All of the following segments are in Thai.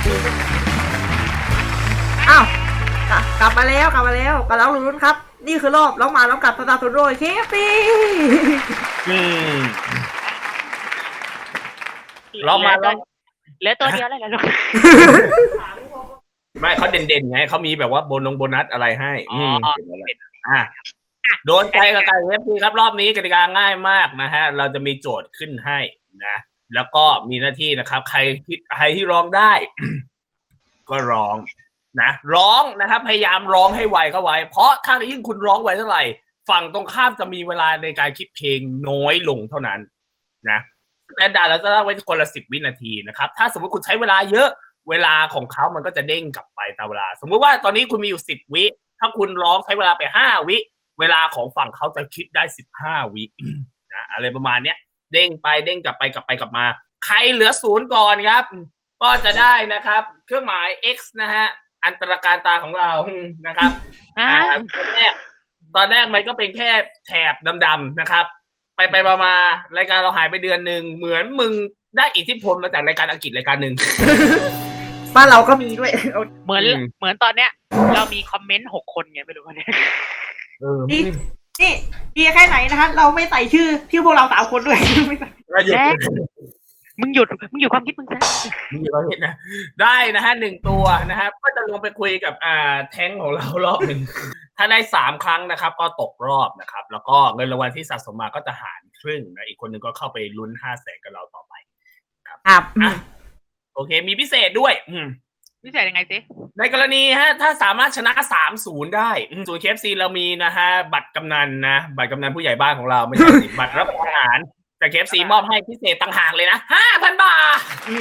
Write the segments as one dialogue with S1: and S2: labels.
S1: อ้าวกลับมาแล้วกลับแล้วลุ้นครับ นี่คือรอบร้องมาร้องกลับสตาร์ทโดยเคฟซี
S2: ร้องมาแล้ว
S3: เหลือตัวเดียวแล้วลูก
S2: ไม่เขาเด่นๆไงเขามีแบบว่าโบนัสอะไรให้โดนใจกับการเว็บครับรอบนี้กติกาง่ายมากนะฮะเราจะมีโจทย์ขึ้นให้นะแล้วก็มีหน้าที่นะครับใครที่ร้องได้ ก็ร้องนะร้องนะครับพยายามร้องให้ไวเข้าไว้เพราะถ้ายิ่งคุณร้องไวเท่าไหร่ฝั่งตรงข้ามจะมีเวลาในการคิดเพลงน้อยลงเท่านั้นนะแต่ด่าเราจะตั้งไว้คนละ10 วินาทีนะครับถ้าสมมติคุณใช้เวลาเยอะเวลาของเขามันก็จะเด้งกลับไปตามเวลาสมมุติว่าตอนนี้คุณมีอยู่10 วิถ้าคุณร้องใช้เวลาไป5 วิเวลาของฝั่งเขาจะคิดได้15 วินะอะไรประมาณเนี้ยเด้งไปเด้งกลับไปกลับมาใครเหลือ0ก่อนครับก็จะได้นะครับเครื่องหมาย X นะฮะอันตรการตาของเรานะครับตอนแรกมันก็เป็นแค่แถบดำๆนะครับไปมารายการเราหายไปเดือนหนึ่งเหมือนมึงได้อิทธิพลมาจากรายการอังกฤษรายการหนึ่ง
S1: บ้านเราก็มีด้วย
S3: เหมือนตอนเนี้ยเรามีคอมเมนต์6 คนไงไม่รู้ว่าเนี่ย
S1: นี่ดีแค่ไหนนะคะเราไม่ใส่ชื่อพวกเรา3 คนด้วย
S3: มึงหยุดความคิดมึงซะ
S2: มึงหยุดความคิดนะได้นะฮะ1 ตัวนะครับก็จะลงไปคุยกับแท้งของเรารอบหนึ่งถ้าได้3 ครั้งนะครับก็ตกรอบนะครับแล้วก็เงินรางวัลที่สะสมมาก็จะหารครึ่งนะอีกคนนึงก็เข้าไปลุ้น500,000กับเราต่อไป
S1: ครับ
S2: โอเคมีพิเศษด้วย
S3: พิเศษยังไงสิ
S2: ในกรณีฮะถ้าสามารถชนะ 3-0 ได้ศูนย์ KFC เรามีนะฮะบัตรกำนันนะบัตรกำนันผู้ใหญ่บ้านของเราไม่ใช่บัตรรับประทานอาหารแต่ KFC มอบให้พิเศษต่างหากเลยนะ 5,000 บาท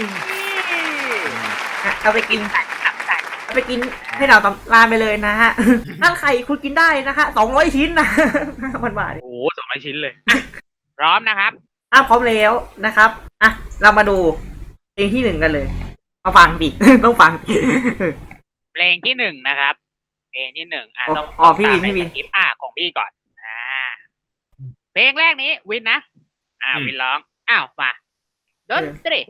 S1: เอาไปกินให้เราลาไปเลยนะฮะถ้าใครคุณกินได้นะคะ200 ชิ้นนะ5,000 บาท
S3: โอ้200 ชิ้นเลยพร้อมนะครับ
S1: พร้อมแล้วนะครับเรามาดูเพลงที่1กันเลยมาฟังดิต้องฟัง
S3: เพลงที่1นะครับเพลงที่1
S1: ต้องพี่วิน
S3: ของพี่ก่อนเพลงแรกนี้วินนะวินร้องมาดนตรี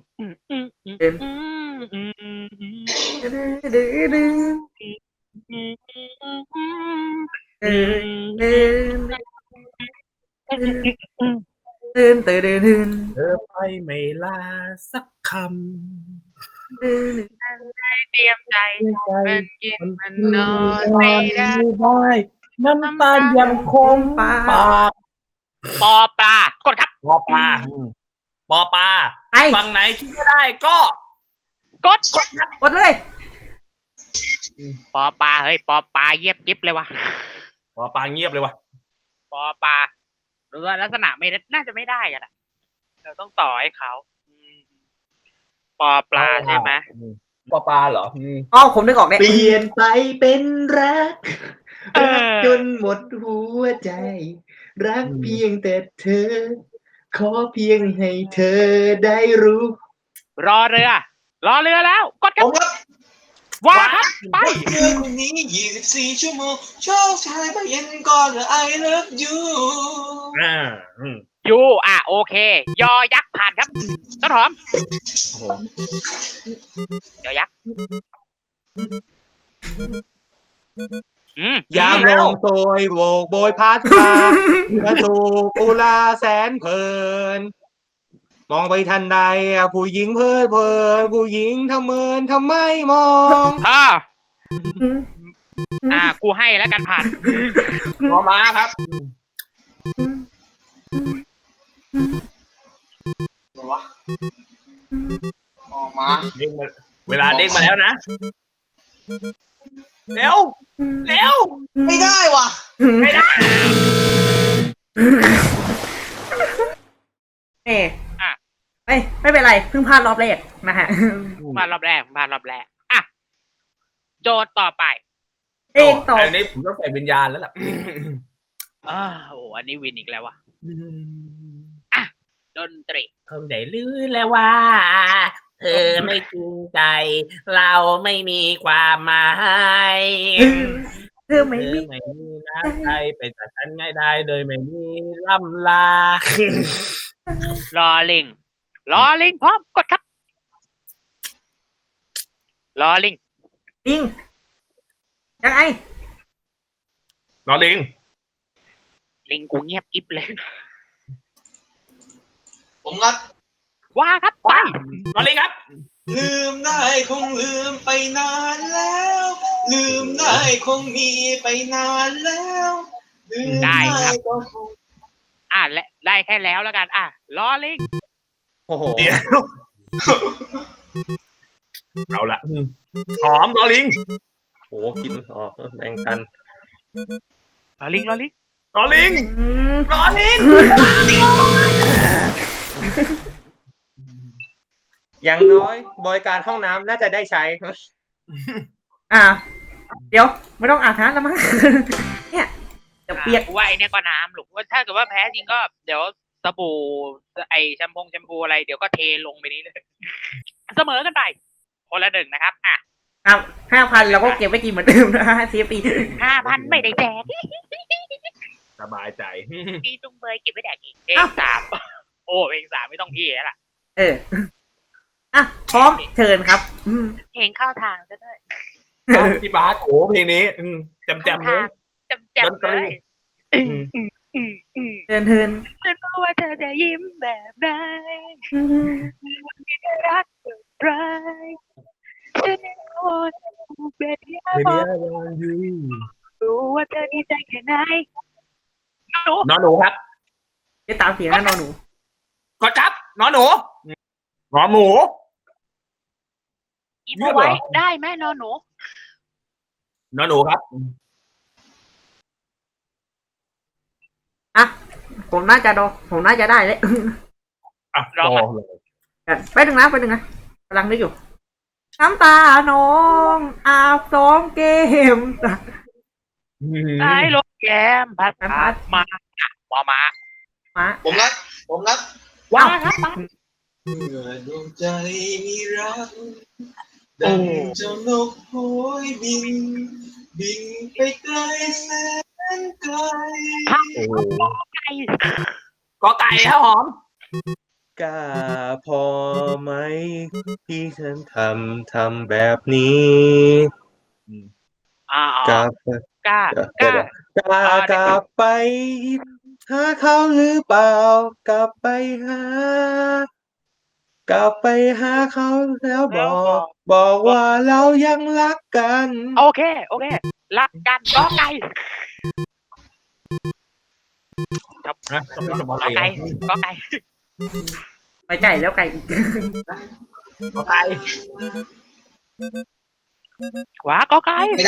S2: เธอไปไม่ลาสักคำ
S3: เตรียมใจมันกินมันนอนไม่ได้
S2: น้ำตายังคงปาก
S3: ปอปลากดครับ
S2: ปอปลาฝั่งไหนคิดไม่ได้ก็
S3: กด
S1: เลย
S3: ปอปลาเฮ้ยปอปลาเงียบกิ๊บเลยวะ
S2: ปอปลาเงียบเลยวะ
S3: ปอปลาหรือว่าลักษณะไม่น่าจะไม่ได้กันอ่ะเราต้องต่อให้เขาปอปลาใช่ไหม
S2: ปอปลาเหรอ
S1: ผมนึกออกเนี่ย
S4: เปลี่ยนไปเป็นรักจนหมดหัวใจรักเพียงแต่เธอขอเพียงให้เธอได้รู้
S3: รอเรือแล้วกดครับว่าครับไป
S4: เรื่องคนนี้24 ชั่วโมงโชคชายมาเย็นก่อนI love you
S3: โอเคยอยักษ์ผ่านครับต้นหอมยอยักษ์
S4: ยามลงโตยโบกโบยพัดพากระถูกอุลาแสนเพลินมองไปทันใดผู้หญิงเพลินผู้หญิงทำเมินทำไมมอง
S3: กูให้แล้วกันผ่าน
S2: มาครับ
S4: มา
S2: เวลาเด้งมาแล้วนะเร็ว
S4: ไม่ได้ว่ะ
S2: ไม่ได้
S1: ไม่เป็นไรเพิ่งพลาดรอบแรกนะฮะ
S3: พลาดรอบแรกโจทย์ต่อไป
S2: อันนี้ผมต้องใส่วิญญาณแล้วล่ะ
S3: อันนี้วินอีกแล้วว่ะดนตรี
S2: คงได้รู้แล้วว่าเธอไม่จริงใจเราไม่มีความหมาย
S1: เธอไม่มี
S2: น้ำใจไปจากฉันง่ายได้โดยไม่มีล่ำลา
S3: ลอลิงพร้อมกดครับลอลิง
S1: ลิงยังไง
S2: รอลิง
S3: ลิงกูเงียบกิ๊บเลย
S5: ผมรัก
S3: ว่าครับไป
S2: รอลิงครับ
S5: ลืมได้คงลืมไปนานแล้ว ลืมได้คงมีไปนานแล้วลืมได้ก็คง
S3: และได้แค่แล้วกัน ลอลิง
S4: โอ้โห
S2: เดี๋ยวเอาละหอมรอลิง
S4: โอ้กินออกแบ่งกัน
S3: ลอลิง
S2: รอลิง
S1: อืม
S2: รอลิง
S4: อย่างน้อยบริการห้องน้ำน่าจะได้ใช้
S1: เดี๋ยวไม่ต้องอาบน้ำแล้วมั้ง เนี่ยเดี๋ยวเปียก
S3: กูว่าไอเนี่ยก็น้ำหรอกว่าถ้าเกิดว่าแพ้จริงก็เดี๋ยวสบู่ไอแชมพูอะไรเดี๋ยวก็เทลงไปนี้เลย เสมอกันไปคนละ1นะครับ
S1: ครับ5,000เราก็เก็บไว้กินเหมือนเดิมนะฮะCFP
S3: 5,000ไม่ได้แจก
S2: สบายใจ
S3: พี่จุงเบยเก็บไว้แดกอีกเพลง3 โอ้เพลง3ไม่ต้องพี่แล้วล่ะ
S1: พร้อมเชิญครับ
S3: เพลงเข้าทางซะด้วย
S2: พี่บาสโอ้เพลงนี้จำเลย
S3: จำเลย
S1: เชิญ
S3: ฉันรู้ว่าเธอจะยิ้มแบบไหนวันที่ได้รักแบบไรฉันรู้ว่าเธอเป็นที่I want you รู้ว่าเธอดีใจแค่ไหน
S2: นอนหนูครับ
S1: จะตามเสียงนะนอนหนู
S2: กดครับนอนหนูนอนหมู
S3: ยิ้มเอาไว้ได้ไหมนอนหนู
S2: นอนหนูครับ
S1: ผมน่าจะได้เลย
S2: รอ
S1: ไปหนึ่งนะกำลังนึกอยู่น้ำตาน้องอาบซ้อมเกม
S3: ไอ้ลมแก้มพัดมามา
S5: ผมรัก
S3: ว่าครับมา
S5: เมื่อดวงใจมีรักดังเจ้านกโหยบินไปไกลแสนไกล
S3: ไก่
S2: กอไก่ครับหอม
S4: กล้าพอไหมที่ฉันทำแบบนี้กลับ
S3: กล้
S4: ไปหาเขาหรือเปล่ากลับไปหาเขาแล้วบอกว่าเรายังรักกัน
S3: โอเครักกันก็ไก่
S1: ไปไก่แล้วไก่อีก
S2: กอไก่
S3: ขวาก็ไก่
S5: ไม่ได้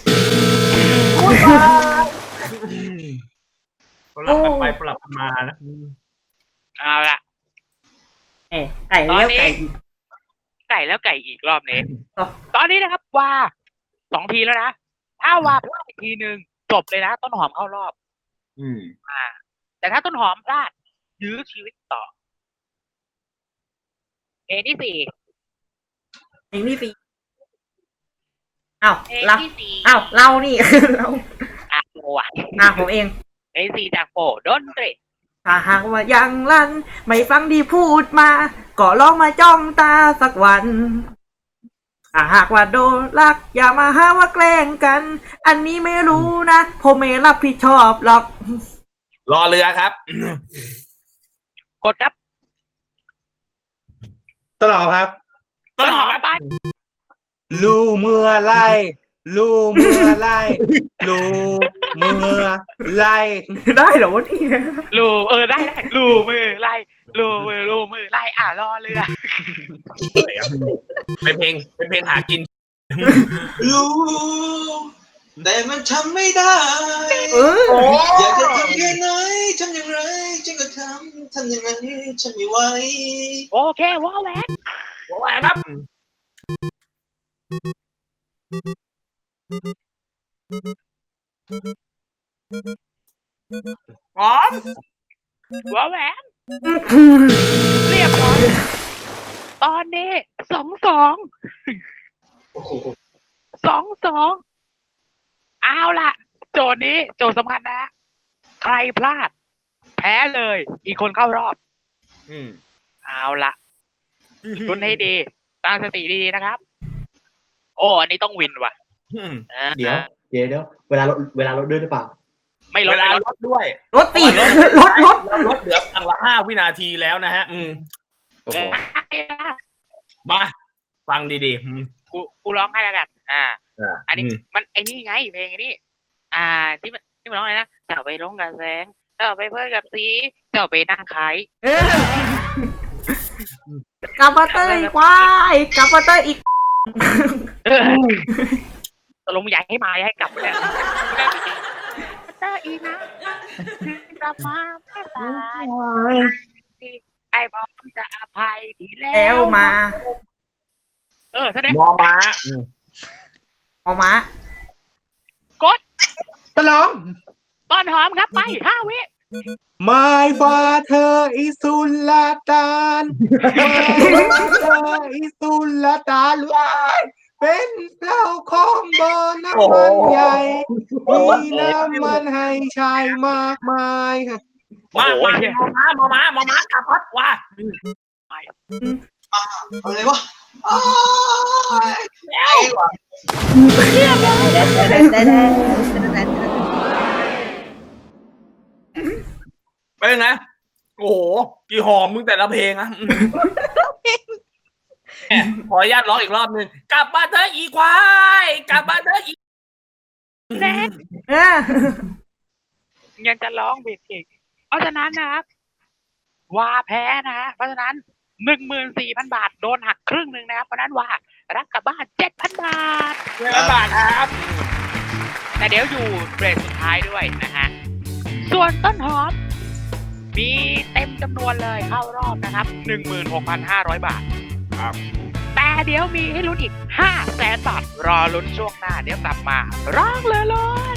S2: ปรับกันไปปรับกันมานะ
S3: เอาละ
S1: ไก่แล้วไก่อีก
S3: ไก่แล้วไก่อีกรอบนี้ตอนนี้นะครับว่า2 ทีแล้วนะถ้าว่าพลาดทีนึงจบเลยนะต้นหอมเข้ารอบแต่ถ้าต้นหอมพลาดยื้อชีวิตต่อเพลงที่ 4
S1: เพลงที่ 4อ้าว
S3: เพลง
S1: เรา
S3: ที่ 4
S1: อ้าวเรานี่ เรา
S3: โอ้ย
S1: ผมเอง
S3: เพลง 4 จากโฟดนตรี
S1: ถ้าหากว่ายังลั่นไม่ฟังที่พูดมาก็ลองมาจ้องตาสักวันถ้าหากว่าโดนรักอย่ามาหาว่าแกล้งกัน อันนี้ไม่รู้นะผมไม่รับผิดชอบหรอก
S2: รอเรือครับ
S3: กดครับ
S4: ตลอดครับ
S2: ต้นหอมครับ
S3: ไป
S4: รู้เมื่อไรรู้เมื่อไร
S1: ได้เหรอวะนี่
S3: ได้ลูมือไล่ลูมือไล่รอเรือ
S2: เป็นเพลงหากิน
S5: รู้แต่มันทำไม่ได้ อยากจะทำแค่ไหนทำอย่างไรฉันก็ทำอย่างนั้นฉันไม่ไหว
S3: โอเคว้าวแหวน
S2: หัวแหวนครับหอม
S3: ว้าวแหวนเรียบร้อยตอนนี้2-2
S5: โอ้โห
S3: เอาล่ะโจทย์นี้โจทย์สำคัญนะใครพลาดแพ้เลยอีกคนเข้ารอบเอาล่ะคุณให้ดีตั้งสติดีๆนะครับโอ้อันนี้ต้องวินว่ะ
S2: อืม
S4: เดี๋ยวเวลาลดด้วยหรือเปล่า
S3: ไม่ล
S2: เว
S3: ด
S2: ลา
S3: ไม่ล
S2: ล
S3: ด
S2: ดด้วย
S1: รถติดรถ
S2: เราลดเหลือครั้งละ5 วินาทีแล้วนะฮะ
S4: โอ้โห
S2: มาฟังดีๆ
S3: กูร้องให้แล้วกันอันนี้
S2: อืม
S3: มันไอ้นี่ไงเพลงไอ้นี่ที่มันร้องอะไรนะเจ้าไปร้องกับแสงเจ้าไปเพื่อกับสีเจ้าไปนั่งขาย
S1: กลับมาเตยควายกลับมาเตยอีก
S3: ตกลงอยากให้มาอยากให้กลับเลยเจออีนะกลับมาแค่ตายไอ้บอมจะอภัยทีแล้
S1: แล้ว
S3: ว
S1: มา
S3: แสดง
S2: มอม้า
S1: ออกมา
S3: กด
S4: ตะลอง
S3: ต้นหอมครับไป5 วิ
S4: My father is Sultan My father is Sultan เป็นเจ้าของบ่อน้ำมันใหญ่มีน้ำมันให้ชายมากมายค่ะ
S2: มอม้ากลับพัดว่า
S5: อะไรวะอ้ายไอ้วะ
S2: ไปเลยนะ โอ้โหกี่หอมมึงแต่ละเพลงอะขออนุญาตร้องอีกรอบหนึ่งกลับมาเถอะอีควายกลับมาเถอะอี
S3: แน่ ยังจะร้องผิดอีกเพราะฉะนั้นนะครับว่าแพ้นะฮะเพราะฉะนั้น 14,000 บาทโดนหักครึ่งหนึ่งนะครับเพราะนั้นว่ารับกลับบ้าน 7,000 บาท
S2: บาทครับ
S3: แต่เดี๋ยวอยู่เบรกสุดท้ายด้วยนะฮะส่วนต้นหอมมีเต็มจำนวนเลยเข้ารอบนะครับ 16,500 บาท
S2: ครับ
S3: แต่เดี๋ยวมีให้ลุ้นอีก 500,000 บาทรอลุ้นช่วงหน้าเดี๋ยวกลับมาร้องเลย